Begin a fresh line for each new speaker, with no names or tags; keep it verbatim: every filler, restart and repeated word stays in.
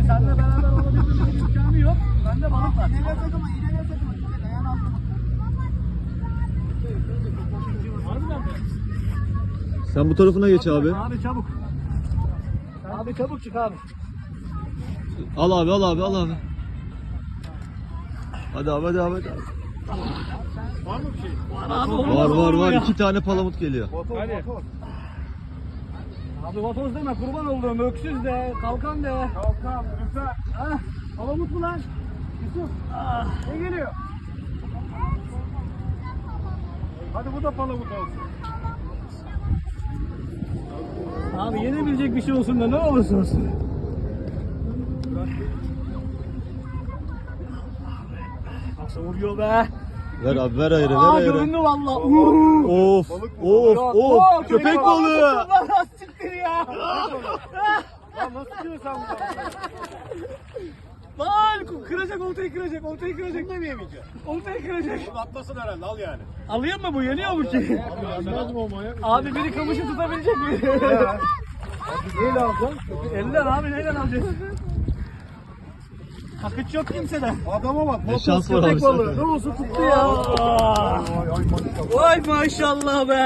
seninle beraber olabilmemizin imkanı yok. Bende balık var.
İğneler takımı, iğneler takımı. Dikkat, ayağını altına.
Harbiden mi?
Sen bu tarafına geç abi.
Abi çabuk. Abi çabuk çık abi.
Al abi al abi al abi. Hadi abi hadi abi. Hadi.
Var mı bir şey?
Abi,
Var var var. İki tane palamut geliyor.
Hadi. Abi vatoz deme, kurban olduğum öksüz de, kalkan de. Kalkan, lütfen. Ah, palamut mu lan? Yusuf. Ah, ne geliyor? Hadi bu da palamut olsun. Abi yenebilecek bir şey olsun da ne olursa olsun. Nasıl vuruyor be?
Ver abi ver ayırı ver
Aa
ayırı.
göründü valla.
Of of of köpek balığı.
Lan siktir ya.
Lan nasıl diyorsun sen bunu?
Lan kıracak, oltayı kıracak, oltayı kıracak.
Bunu da mı yemeyeceksin?
Oltayı kıracak.
Bunu atlasın herhalde, al yani.
Alayım mı bu? Yeniyor mu ki?
Abi yenmez mi o manyak?
Abi biri kamışı tutabilecek mi?
Neyle alacaksın?
Elden abi, neyle alacağız? Hakıç yok kimseden.
Adama bak.
Ne şans var abi
Köpek balığı.
sende.
Ne olsa tuttu ya.
Ay ay maşallah.
Vay maşallah be.